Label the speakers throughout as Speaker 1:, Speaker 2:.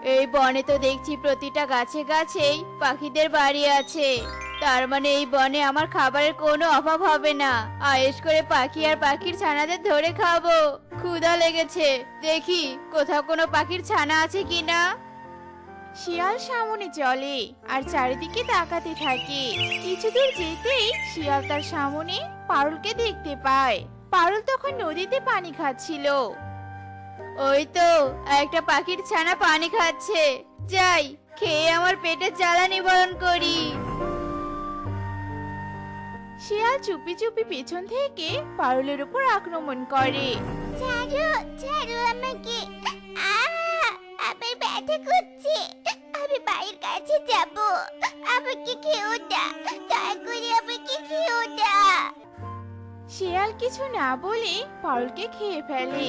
Speaker 1: এই বনে তো দেখছি প্রতিটা গাছে গাছেই পাখিদের বাড়ি আছে। তার মানে এই বনে আমার খাবারের কোনো অভাব হবে না। আয়েশ করে পাখি আর পাখির ছানাদের ধরে খাবো। ক্ষুধা লেগেছে, দেখি কোথাও কোনো পাখির ছানা আছে কিনা।
Speaker 2: শিয়াল সামনে চলে আর চারিদিকে তাকাতে থাকে। কিছু দূর যেতেই শিয়াল তার সামনে পারুলকে দেখতে পায়। পারুল তখন নদীতে পানি খাচ্ছিল।
Speaker 1: ওই তো একটা পাখির ছানা পানি খাচ্ছে, যাই খেয়ে আমার পেটের জ্বালা নিবারণ করি।
Speaker 2: শিয়াল চুপি চুপি পেছন থেকে পারুলের উপর আক্রমণ করে।
Speaker 3: ছাড়ো ছাড়ো আমাকে, আমার ব্যথা করছে, আমি বাড়ির কাছে যাব, আমাকে খেও না, দয়া করে আমাকে খেও না।
Speaker 2: শিয়াল কিছু না বলে পারুলকে খেয়ে ফেলে।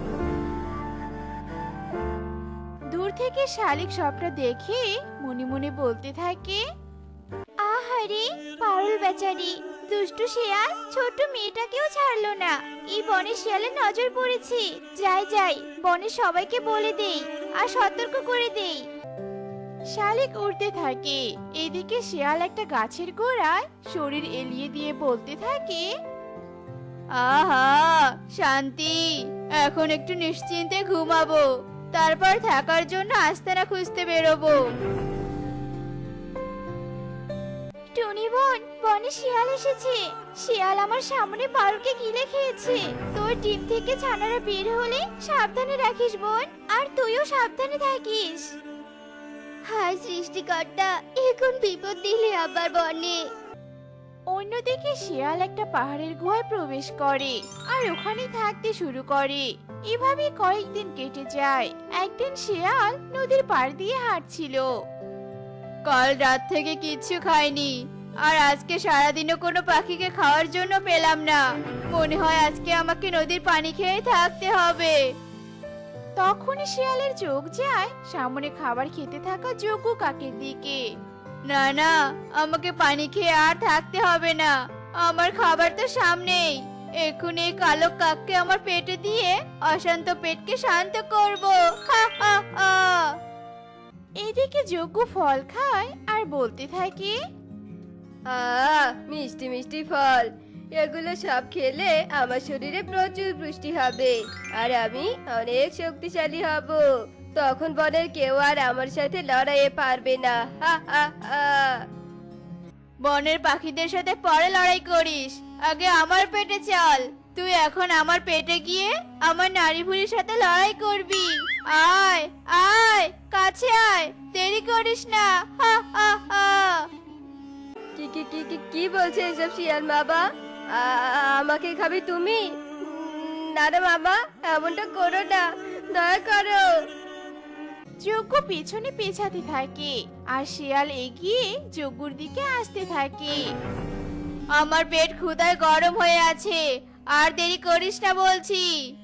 Speaker 2: দূর থেকে শালিক সবটা দেখে মনে মনে বলতে থাকে,
Speaker 3: আহারে পারুল বেচারি, দুষ্টু শিয়াল ছোট মেয়েটাকেও ছাড়লো না। এই বনে শিয়ালের নজর পড়েছে। যাই যাই, বনে সবাইকে বলে দেই আর সতর্ক করে দেই।
Speaker 2: শালিক উড়তে থাকে। এদিকে শিয়াল একটা গাছের গোড়ায় শরীর এলিয়ে দিয়ে বলতে থাকে,
Speaker 1: আহা শান্তি, এখন একটু নিশ্চিন্তে ঘুমাবো, তারপর থাকার জন্য আস্তানা খুঁজতে বেরোবো।
Speaker 3: টুনি বোন, বনে শিয়াল এসেছে। শিয়াল আমার সামনে পারুলকে গিলে খেয়েছে। তোর ডিম থেকে ছানারা বের হলে সাবধানে রাখিস বোন, আর তুইও সাবধানে থাকিস। হায় সৃষ্টিকর্তা, এখন বিপদ দিলে আবার বনে।
Speaker 2: অন্যদিকে শিয়াল একটা পাহাড়ের গুহায় প্রবেশ করে আর ওখানে থাকতে শুরু করে। এভাবে কয়েকদিন কেটে যায়। একদিন শিয়াল নদীর পাড় দিয়ে হাঁটছিল।
Speaker 1: কাল রাত থেকে কিচ্ছু খাইনি, আর আজকে সারাদিনও কোনো পাখিকে খাওয়ার জন্য পেলাম না। মনে হয় আজকে আমাকে নদীর পানি খেয়ে থাকতে হবে।
Speaker 2: তখনই শিয়ালের চোখ যায় সামনে খাবার খেতে থাকা যোগু কাকের দিকে।
Speaker 1: না না, আমাকে পানি খেয়ে আর থাকতে হবে না, আমার খাবার তো সামনেই। এক্ষুনি এই কালো কাককে আমার পেটে দিয়ে অশান্ত পেটকে শান্ত করব। হা হা হা।
Speaker 2: এদিকে যোগু ফল খায় আর বলতে থাকে,
Speaker 1: মিষ্টি মিষ্টি ফল, এগুলো সব খেলে আমার শরীরে প্রচুর পুষ্টি হবে, আর আমি অনেক শক্তিশালী হব। তখন বনের কেউ আর আমার সাথে লড়াইয়ে পারবে না। হা হা হা। বনের পাখিদের সাথে পরে লড়াই করিস, আগে আমার পেটে চল। তুই এখন আমার পেটে গিয়ে আমার নারী ভুঁড়ির সাথে লড়াই করবি। আয় আয়, কাছে আয়, দেরি করিস না। হা হা হা। কি কি কি কি কি বলছে এসব শিয়াল বাবা? আমাকে খাবি তুমি? না রে মামা, এমনটা করো না, দয়া করো।
Speaker 2: যোগ্য পেছনে পেছাতে থাকে আর শিয়াল এগিয়ে যোগ্যর দিকে আসতে থাকে।
Speaker 1: আমার পেট ক্ষুধায় গরম হয়ে আছে, আর দেরি করিস না বলছি।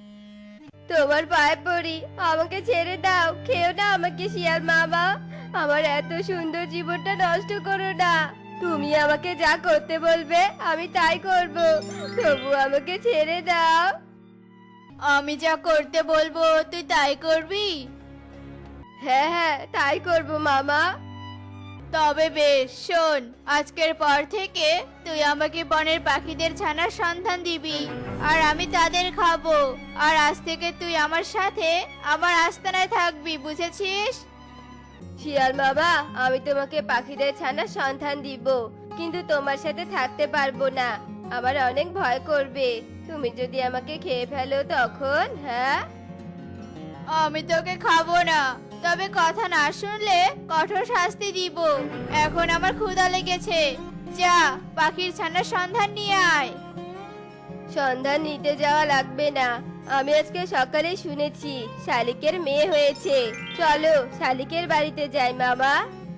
Speaker 1: তোমার পায়ে পড়ি, আমাকে ছেড়ে দাও, খেও না আমাকে শিয়াল মামা। আমার এত সুন্দর জীবনটা নষ্ট করো না। তুমি আমাকে যা করতে বলবে আমি তাই করব, তবু আমাকে ছেড়ে দাও। আমি যা করতে বলবো তুই তাই করবি? হ্যাঁ হ্যাঁ, তাই করব মামা। তবে বেশ, শোন, আজকের পর থেকে তুই আমাকে বনের পাখিদের ছানার সন্ধান দিবি, আর আমি তাদের খাবো। আর আজ থেকে তুই আমার সাথে আমার আস্তানায় থাকবি, বুঝেছিস? শিয়াল বাবা, আমি তোমাকে পাখিদের ছানার সন্ধান দিব, কিন্তু তোমার সাথে থাকতে পারবো না। আমার অনেক ভয় করবে, তুমি যদি আমাকে খেয়ে ফেলো তখন। হ্যাঁ, আমি তোকে খাবো না, তবে কথা না শুনলে কঠোর শাস্তি দিব। এখন আমার ক্ষুধা লেগেছে, যা পাখির ছানার সন্ধান নিয়ে আয়। সন্ধান নিতে যাওয়া লাগবে না, আমি আজকে সকালে শুনেছি শালিকের মেয়ে হয়েছে। চলো শালিকের বাড়িতে যাই মামা।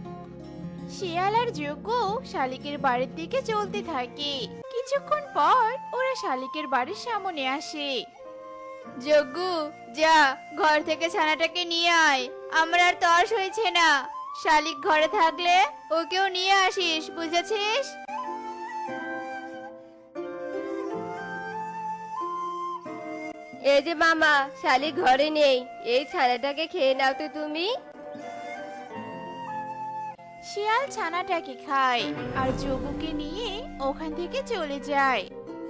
Speaker 2: শিয়াল আর যোগ্য শালিকের বাড়ির দিকে চলতে থাকে। কিছুক্ষণ পর ওরা শালিকের বাড়ির সামনে আসে।
Speaker 1: যজ্ঞ, যা ঘর থেকে ছানাটাকে নিয়ে আয়, আমার আর তর হয়েছে না। শালিক ঘরে থাকলে ওকেও নিয়ে আসিস, বুঝেছিস? এই যে মামা, শালিক ঘরে নেই, এই ছানাটাকে খেয়ে নাও তো তুমি।
Speaker 2: শিয়াল ছানাটাকে খায় আর যোগুকে নিয়ে ওখান থেকে চলে যায়।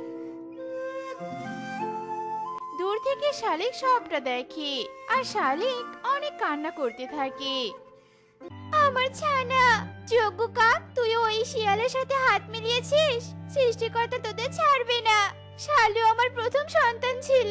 Speaker 2: দূর থেকে শালিক সবটা দেখে আর শালিক অনেক কান্না করতে থাকে।
Speaker 3: আমার ছানা, যজ্ঞ কাক, তুই ওই শিয়ালের সাথে হাত মিলিয়েছিস। সৃষ্টিকর্তা তোদের ছাড়বে না। শালু আমার প্রথম সন্তান ছিল।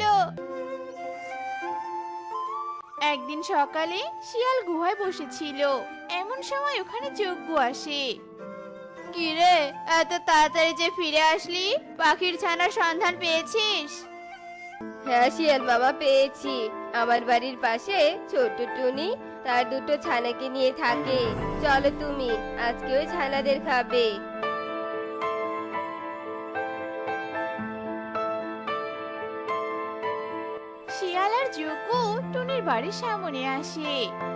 Speaker 2: একদিন সকালে শিয়াল গুহায় বসেছিল, এমন সময় ওখানে যজ্ঞ আসে।
Speaker 1: কিরে, এত তাড়াতাড়ি যে ফিরে আসলি? পাখির ছানার সন্ধান পেয়েছিস? হ্যাঁ শিয়াল মামা, পেয়েছি। আমার বাড়ির পাশে ছোট্ট টুনি তার দুটো ছানাকে নিয়ে থাকে। চলো তুমি, আজকে ওই ছানাদের খাবে।
Speaker 2: শিয়াল আর যজ্ঞ টুনির বাড়ির সামনে আসে।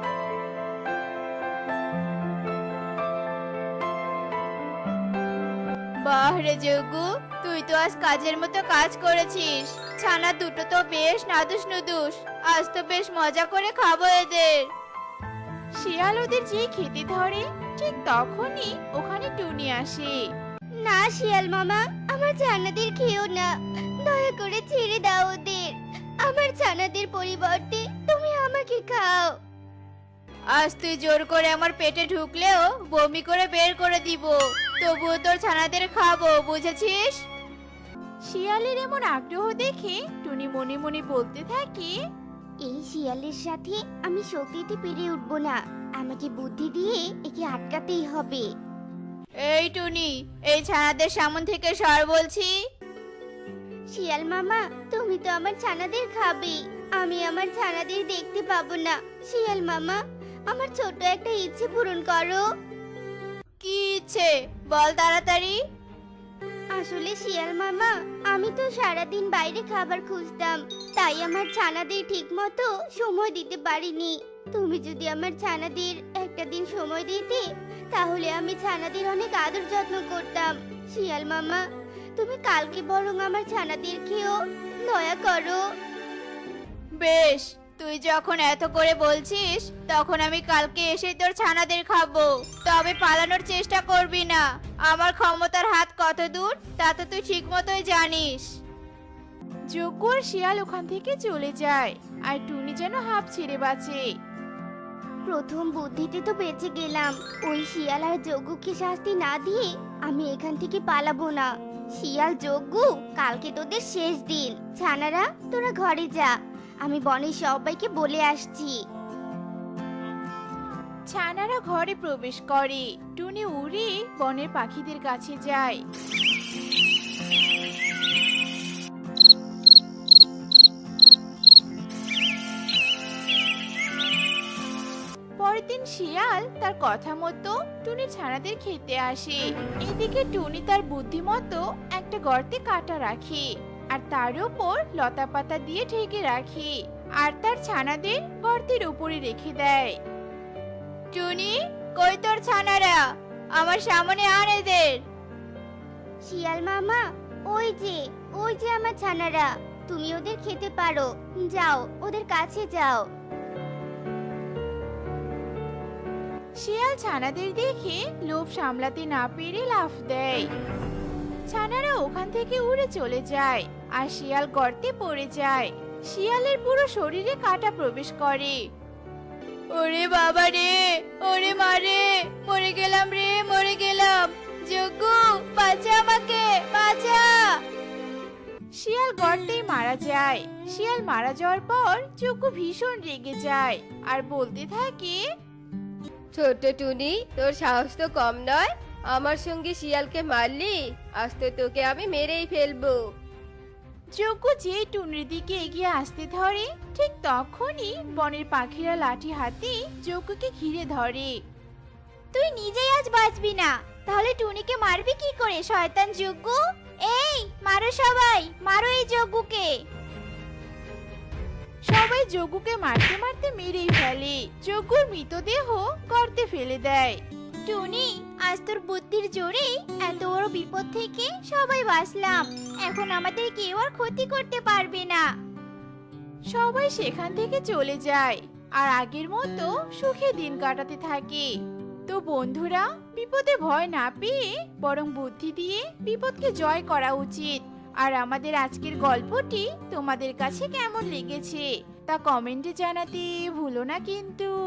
Speaker 1: বাহ রে যজ্ঞ, তুই তো আজ কাজের মতো কাজ করেছিস। ছানা দুটো তো বেশ নাদুস নুদুস। আজ তো বেশ মজা করে খাবো এদের।
Speaker 2: শিয়াল ওদের যে খেতে ধরে, ঠিক তখনই ওখানে টুনি আসে।
Speaker 3: না শিয়াল মামা, আমার ছানাদের খেও না। দয়া করে ছেড়ে দাও ওদের। আমার ছানাদের পরিবর্তে তুমি আমাকে খাও।
Speaker 1: আজ তুই জোর করে আমার পেটে ঢুকলেও বমি করে বের করে দিব, তবুও তোর ছানাদের খাবো, বুঝেছিস?
Speaker 2: শিয়ালের এমন আগ্রহ দেখে টুনি মনে মনে বলতে থাকে,
Speaker 3: এই শিয়ালের সাথে আমি শক্তিতে পেরে উঠবো না। আমাকে বুদ্ধি দিয়ে একে আটকাতেই হবে।
Speaker 1: এই টুনি, এই ছানাদের সামন থেকে সর বলছি।
Speaker 3: শিয়াল মামা, তুমি তো আমার ছানাদের খাবে। আমি আমার ছানাদের দেখতে পাবো না। শিয়াল মামা, আমার ছোট একটা ইচ্ছে পূরণ করো।
Speaker 1: কি ইচ্ছে বল তাড়াতাড়ি।
Speaker 3: আসলে শিয়াল মামা, আমি তো সারাদিন বাইরে খাবার খুঁজতাম, তাই আমার ছানাদের ঠিক মতো সময় দিতে পারিনি। তুমি যদি আমার ছানাদের একটা দিন সময় দিতে, তাহলে আমি ছানাদের অনেক আদর যত্ন করতাম। শিয়াল মামা, তুমি কালকে বরং আমার ছানাদের খেও, দয়া করো।
Speaker 1: বেশ, তুই যখন এত করে বলছিস, তখন আমি কালকে এসে তোর ছানাদের খাবো। তবে পালানোর চেষ্টা করবি না। আমার ক্ষমতার হাত কত দূর তা তো তুই ঠিক মতোই জানিস।
Speaker 2: যজ্ঞ আর শিয়াল ওখান থেকে চলে যায় আর টুনি যেন হাঁপ ছেড়ে বাঁচে।
Speaker 3: প্রথম বুদ্ধিতে তো বেঁচে গেলাম। ওই শিয়াল আর যজ্ঞকে শাস্তি না দিয়ে আমি এখান থেকে পালাবো না। শিয়াল, যজ্ঞ, কালকে তোদের শেষ দিন। ছানারা, তোরা ঘরে যা। আমি বনের সবাইকে বলে আসছি।
Speaker 2: ছানারা ঘরে প্রবেশ করে। টুনি উড়ে বনের পাখিদের কাছে যায়। পরের দিন শিয়াল তার কথা মতো টুনির ছানাদের খেতে আসে। এদিকে টুনি তার বুদ্ধি মতো একটা গর্তে কাটা রাখে আর তার উপর লতা পাতা দিয়ে ঢেকে রাখে আর তার ছানাদের গর্তের উপরে রেখে দেয়।
Speaker 1: টুনি, কই তোর ছানারা? আমার সামনে আন এদের।
Speaker 3: শিয়াল মামা, ওই যে আমার ছানারা। তুমি ওদের খেতে পারো। যাও, ওদের কাছে যাও।
Speaker 2: শিয়াল ছানাদের দেখে লোভ সামলাতে না পেরে লাফ দেয়। ছানারা ওখান থেকে উড়ে চলে যায় আর শিয়াল গর্তে পড়ে যায়। শিয়ালের পুরো শরীরে কাঁটা প্রবেশ করে।
Speaker 1: ওরে বাবা রে, ওরে মারে, মরে গেলাম রে, মরে গেলাম। যজ্ঞ, বাঁচা আমাকে, বাঁচা।
Speaker 2: শিয়াল গর্তেই মারা যায়। শিয়াল মারা যাওয়ার পর যজ্ঞ ভীষণ রেগে যায় আর বলতে থাকে,
Speaker 1: ছোট্ট টুনি, তোর সাহস তো কম নয়। আমার সঙ্গে শিয়ালকে মারলি, আজ তো তোকে আমি মেরেই ফেলবো।
Speaker 2: যজ্ঞ যেই টুনির দিকে এগিয়ে আসতে ধরে, ঠিক তখনই বনের পাখিরা লাঠি হাতে যজ্ঞকে ঘিরে ধরে।
Speaker 3: তুই নিজেই আজ বাঁচবি না, তাহলে টুনিকে মারবি কি করে, শয়তান যজ্ঞ? এই, মারো সবাই, মারো এই যজ্ঞকে।
Speaker 2: সবাই যজ্ঞকে মারতে মারতে মেরেই ফেলে। যজ্ঞর মৃতদেহ গর্তে ফেলে দেয়।
Speaker 3: টুনি, আজ তোর বুদ্ধির জোরে এত বড় বিপদ থেকে সবাই বাঁচলাম। এখন আমাদের কেউ আর ক্ষতি করতে পারবে না।
Speaker 2: সবাই সেখান থেকে চলে যায় আর আগের মতো সুখে দিন কাটাতে থাকে। তো বন্ধুরা, বিপদে ভয় না পেয়ে বরং বুদ্ধি দিয়ে বিপদকে জয় করা উচিত। আর আমাদের আজকের গল্পটি তোমাদের কাছে কেমন লেগেছে তা কমেন্টে জানাতে ভুলো না কিন্তু।